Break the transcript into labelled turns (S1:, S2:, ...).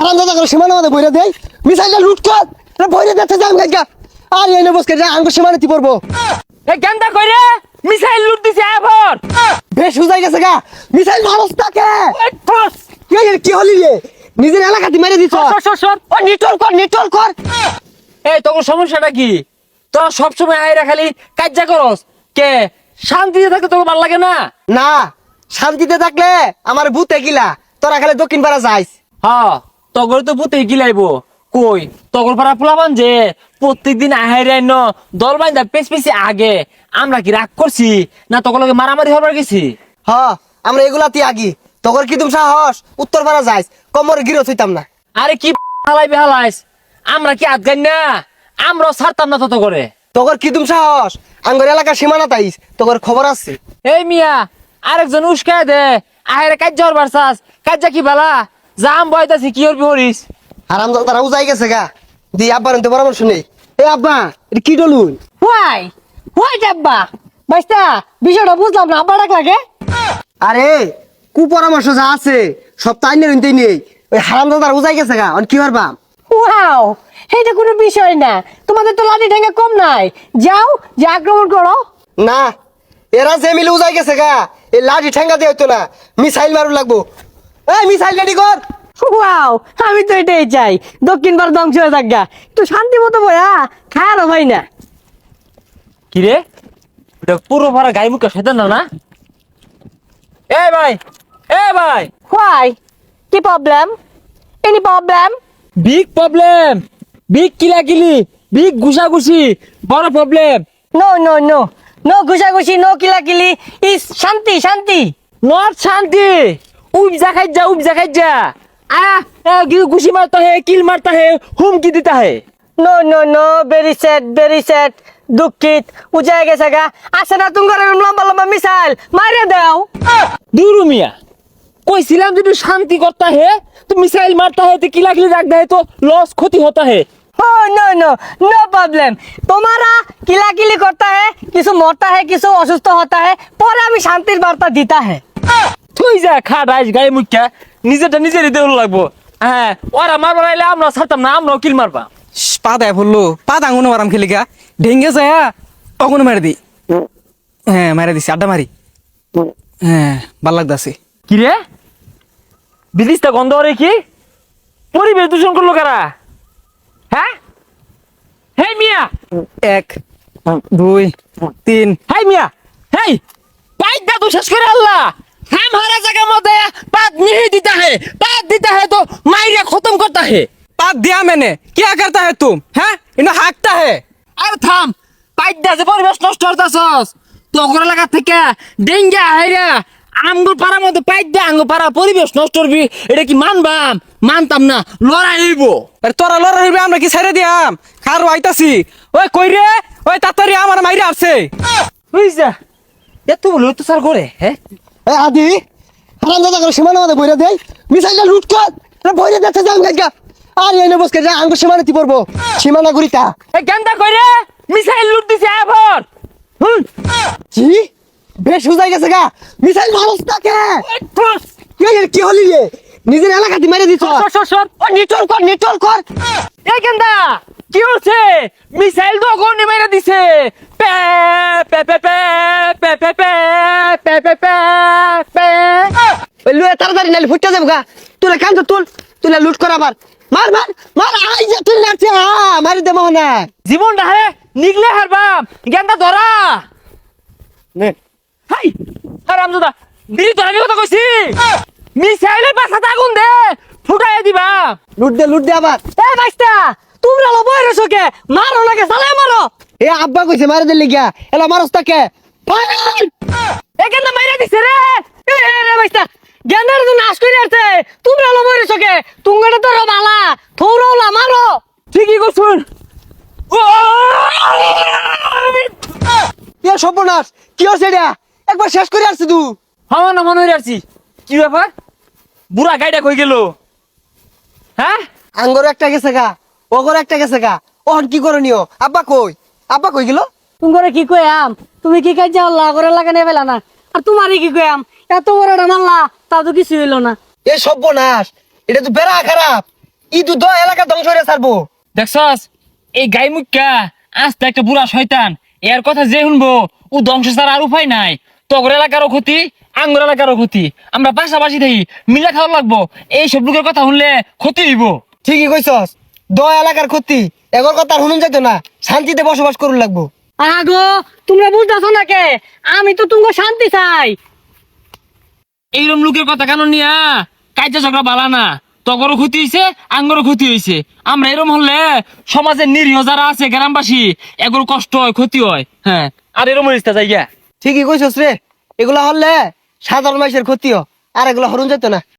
S1: হারাম দাদা করে সীমানা মধ্যে বইরা দেয় মিসাইলটা লুট কর বইরা দেখতে যাম গাইগা আর এনে বসকে যা আঙ্গুর সীমানাতে পড়বো
S2: এ গেন্দা কইরে মিসাইল লুট দিছে এবার
S1: বেশ উজাই গেছে গা মিসাইল মারস তাকে কি হলি রে নিজের এলাকাতে মেরে দিছ
S2: সর
S1: ও নিটল কর
S2: এই তোর সমস্যাটা কি তোরা সবসময় আইরা খালি কাজ্জা করস কে শান্তিতে থাকতে তোকে ভালো লাগে না
S1: না শান্তিতে থাকলে আমার ভূতে গিলা তোরা খালি দক্ষিণ পাড়া যাইস
S2: হ্যাঁ তগর তো পুতে গিলাইবো কই তগর পাড়া পোলাবান যে প্রত্যেকদিন আহাইরাই ন দল বাইন্দা পেছি আগে আমরা কি রাগ করছি না তগর লগে মারামারি হবার গেছি
S1: হ আমরা এগুলাতে আগি তোর কি তুমি সাহস উত্তর পাড়া যাইস কমর গিরো হইতাম না
S2: আরে কি হালাই বেহালাইস আমরা কি আদগান না আমরাও ছাড়তাম না তত করে
S1: তোর কি তুমি সাহস আঙ্গর এলাকার সীমানা তাইস তোর খবর আছে
S2: এই মিয়া আরেকজন উস্কায় দে আহেরে কাজ্জা হরবার চাস কাজ্জা কি বালা জাম বয়তাছি কি হরবি হরিস
S1: আরাম তারা উজাই গেছে গা দি আব্বার তো পরামর্শ নেই এ আব্বা এটা কি ডলুন
S3: হোয়াই ডাব্বা বাইস্তা বিষয়টা বুঝলাম না আব্বা ডাক লাগে
S1: আরে কুপরামর্শ যা আছে সব তাই নিতেই নেই ওই হারাম দাদার উজাই গেছে গা কি পারবা
S3: ওয়াও এটা কোনো বিষয় না তোমাদের তো লাঠি ঠেঙ্গা কম নাই যাও যে আক্রমণ করো
S1: না এরা যে মিলে উজাই গেছে গা এই লাঠি ঠেঙ্গা দিয়ে হইতো না মিসাইল মারু লাগবো এই মিসাইল রেডি কর
S3: ওয়াও আমি তো এটাই চাই দক্ষিণ ভারত ধ্বংস হয়ে থাকা একটু শান্তি মতো বয়া খায়ারও ভাই না
S2: কি রে এটা পুরো ভরা গাই মুখে সেটা না এ ভাই
S3: হোয়াই কি problem any problem
S2: big problem big কিলাকিলি বিগ ঘুষাঘুষি বড় problem
S3: no no no no ঘুষাঘুষি নো কিলাকিলি ইস শান্তি শান্তি
S2: নট শান্তি उपजा खाई जा घुसी मारता है किल मारता है हुमकी देता है
S3: no no no very sad দুঃখিত উজায় গেছে গা আসে না তুমি লম্বা লম্বা মিসাইল মারে দাও
S2: दूर मिया कोई सिलाम जो शांति करता है तो मिसाइल मारता है तो किला किली रखता है तो लॉस क्षति होता है
S3: no no no no problem तुम्हारा किलाकिली करता है किसी मरता है किसी असुस्थ होता है पर हमें शांतिर वार्ता देता है
S2: তুই যা খা রাইস গায়ে মুখা নিজেরটা নিজেরই দেউল লাগবো হ্যাঁ ওরা মারবার আইলে আমরা ছাড়তাম না আমরাও কিল মারবা
S4: পা দেয় বললো পা দাঙ্গুনো মারাম খেলিকা ঢেঙ্গে যায় অগুনো মেরে দি হ্যাঁ মেরে দিছি আড্ডা মারি হ্যাঁ ভাল লাগতাছে
S2: কি রে বিদিশটা গন্ধ রে কি পরিবেশ দূষণ করলো কারা হ্যাঁ হেই মিয়া
S4: 1 2 3
S2: হেই মিয়া হেই पाइप दा तो शेष करे अल्लाह हमारा जगह मत है बात नहीं देता है तो मायरिया खत्म करता है
S4: पाप दिया मैंने क्या करता है तुम हैं इन्हें हाँकता है
S2: अरे থাম পাইপ দা যে পরিবেশ নষ্ট করতাছস তো করে লাগা থেকে ডেঙ্গা হাইরা আমগো পাড়ার মধ্যে পাইপ দা আমগো পাড়া পরিবেশ নষ্ট করবি এটা কি মানতাম না লড়াই হইব
S4: अरे तोरा लड़ा हिबे আমরা কি ছেড়ে দিয়াম খার আইতাছি ওই কই রে ওই তাড়াতাড়ি আমার মাইরা আসছে
S2: বুঝছা এত বলে তো স্যার করে হ্যাঁ
S1: এ আদি হারাম দাদা করে সীমানা মধ্যে বইরা দেয় মিসাইলটা লুট কর বইরা দেখতে যাম গাইগা আর এনে বসকে যা আঙ্গুর সীমানাতে পড়বো সীমানা গুরিতা
S2: এই গেন্দা কইরে মিসাইল লুট দিছে এবার
S1: কি বেশ উজাই গেছে গা মিসাইল মারস তাকে কি হলি রে নিজের এলাকাতে মেরে দিছ
S2: সর
S1: নিটল কর
S2: এই গেন্দা কি হচ্ছে মিসাইল তো গনি মেরে দিছে পে পে পে পে পে পে পে পে পে পে পে
S1: ওই লুয়ে তাড়াতাড়ি নালি ফুটতে যাবো গা তুলে কান তুলে লুট কর আবার মার আই যে তুই লাগছে মারি দে মোহনা
S2: জীবন রে নিগলে হারবাম গেন্দা ধরা
S1: নে
S2: হাই হারামজাদা দিদি তোর আমি কথা কইছি মিসাইলের পাছাতে আগুন দে ফুটাই দিবা
S1: লুট দে আবার
S3: এ বাইস্তা তোমরা লো বইরে সকে মারো লাগে সালে মারো
S1: এ আব্বা কইছে মারি দে লিগা এলা মারস তাকে
S3: এ গেন্দা মাইরা দিছে রে এ রে বাইস্তা গেন্দার তো নাশ করে আসছে তোমরা লো বইরে সকে তুঙ্গটা তো বালা থৌরওলা মারো
S2: ঠিকই কইছুন
S1: এ সর্বনাশ কি হচ্ছে এটা একবার শেষ করে আসছি তুই
S2: হাওয়া না মনে হইরাছি কি ব্যাপার বুড়া গাইডা কই গেল হ্যাঁ
S1: আঙ্গর একটা গেছে গা ওগর একটা গেছে গা ওহন কি করণীয় আব্বা কই গেল
S3: তুঙ্গরে কি কইয়াম তুমি কি কাজ আল্লাহ করে লাগানে ফেলা না আর তোমারই কি কইয়াম এত বড় মাল্লা তা তো কিছু হইলো না
S1: এ সর্বনাশ এটা তো বেড়া খারাপ ই তো এলাকা ধ্বংস হয়ে ছাড়বো।
S2: দেখছস এই গাই মুখ্যা আস্তে একটা বুড়া শয়তান, এর কথা যে শুনবো ও ধ্বংস ছাড়া আর উপায় নাই। তগর এলাকারও ক্ষতি, আঙ্গুর এলাকারও ক্ষতি, আমরা পাশাপাশি থাকি, মিলা খাওয়া লাগবো। এই সব লোকের কথা শুনলে ক্ষতি হইব।
S1: ঠিকই কইছস, এলাকার ক্ষতি এগর কথা আর শুনুন যাইতো না, শান্তিতে বসবাস করুন লাগবো।
S3: আগো তোমরা বুঝতেছো না কে, আমি তো তুমি শান্তি চাই।
S2: এইরকম লোকের কথা কেন নিয়া কাজে ঝগড়া বালা না। তগরও ক্ষতি হয়েছে, আঙ্গরও ক্ষতি হয়েছে। আমরা এরকম হলে সমাজের নিরীহ যারা আছে গ্রামবাসী এগুলো কষ্ট হয়, ক্ষতি হয়। হ্যাঁ, আর এরকম হইছে জায়গা।
S1: ঠিকই কইছস রে, এগুলা হলে সাধারণ মানুষের ক্ষতিও, আর এগুলা হরুন যেত না।